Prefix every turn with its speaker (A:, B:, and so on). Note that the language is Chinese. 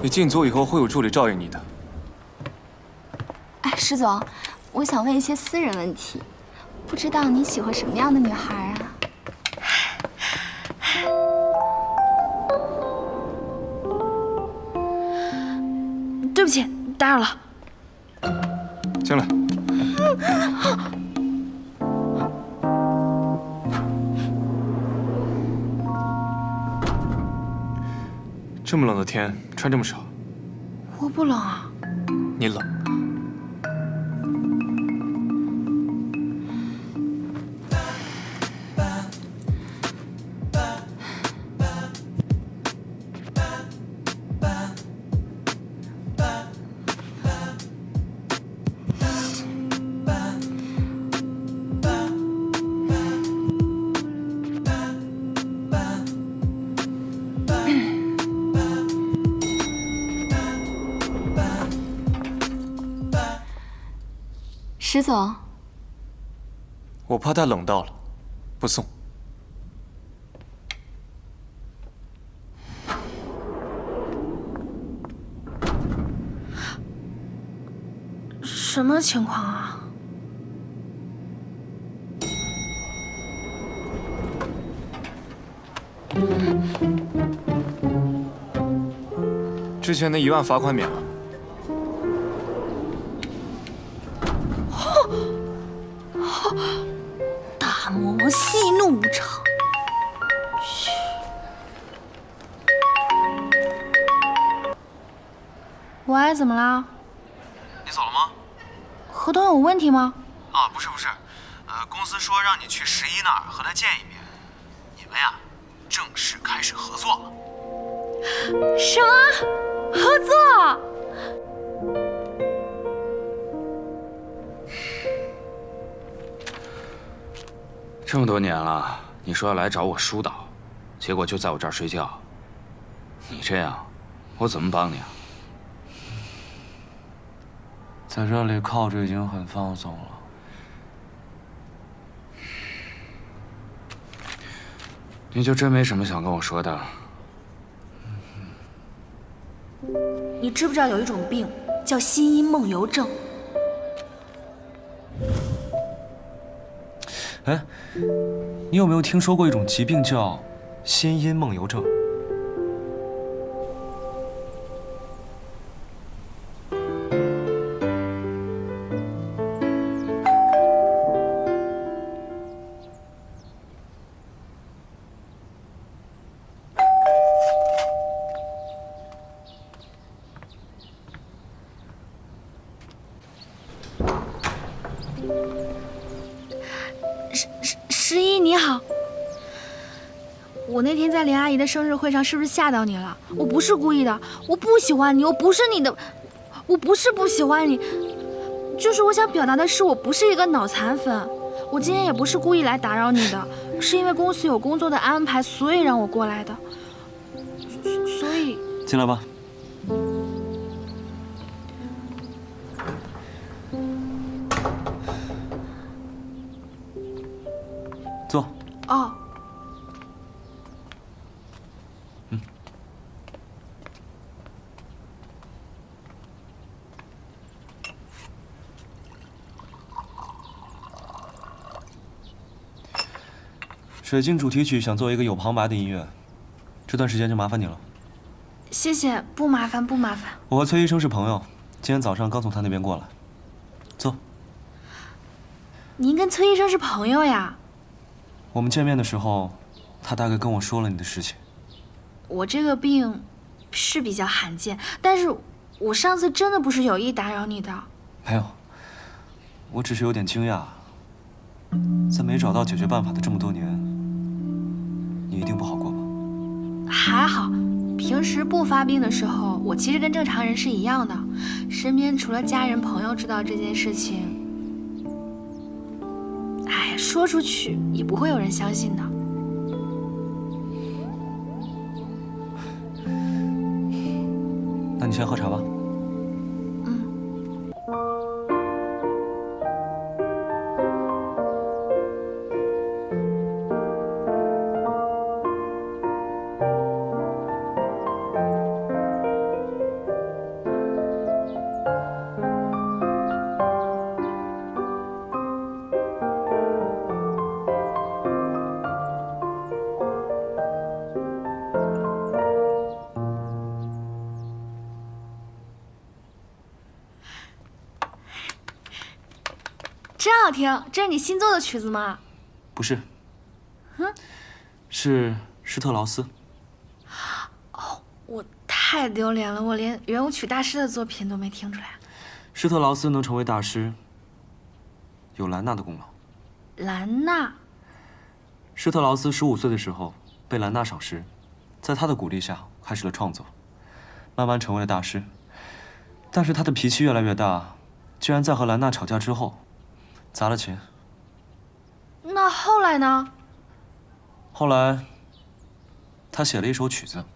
A: 你进组以后会有助理照应你的。
B: 哎，石总，我想问一些私人问题，不知道你喜欢什么样的女孩啊？
C: 对不起，打扰了。
A: 进来。这么冷的天，穿这么少。
C: 我不冷啊。
A: 你冷。
B: 石总，
A: 我怕他冷到了，不送。
C: 什么情况啊？
A: 之前的1万罚款免了。
C: 大魔王息怒无常。去。喂，怎么了？
D: 你走了吗？
C: 合同有问题吗？
D: 啊，不是，公司说让你去11那儿和他见一面，你们呀，正式开始合作了。
C: 什么？合作？
E: 这么多年了，你说要来找我疏导，结果就在我这儿睡觉。你这样，我怎么帮你啊？
F: 在这里靠着已经很放松了。
E: 你就真没什么想跟我说的？
C: 你知不知道有一种病叫心因梦游症？
F: 哎，你有没有听说过一种疾病叫心因梦游症？
C: 十一你好，我那天在林阿姨的生日会上是不是吓到你了？我不是故意的，我不喜欢你，我不是你的，我不是不喜欢你，就是我想表达的是，我不是一个脑残粉。我今天也不是故意来打扰你的，是因为公司有工作的安排，所以让我过来的。所以
F: 进来吧。坐。
C: 哦。
F: 水晶主题曲想做一个有旁白的音乐，这段时间就麻烦你了。
C: 谢谢，不麻烦不麻烦。
F: 我和崔医生是朋友，今天早上刚从他那边过来。坐。
C: 您跟崔医生是朋友呀？
F: 我们见面的时候，他大概跟我说了你的事情。
C: 我这个病是比较罕见，但是我上次真的不是有意打扰你的。
F: 没有，我只是有点惊讶，在没找到解决办法的这么多年，你一定不好过吧？
C: 还好，平时不发病的时候，我其实跟正常人是一样的，身边除了家人朋友知道这件事情，哎，说出去也不会有人相信的。
F: 那你先喝茶吧。
C: 真好听！这是你新做的曲子吗？
F: 不是，是施特劳斯。
C: 我太丢脸了，我连圆舞曲大师的作品都没听出来。
F: 施特劳斯能成为大师，有兰娜的功劳。
C: 兰娜，
F: 施特劳斯15岁的时候被兰娜赏识，在她的鼓励下开始了创作，慢慢成为了大师。但是他的脾气越来越大，居然在和兰娜吵架之后砸了琴。
C: 那后来呢？
F: 后来，他写了一首曲子，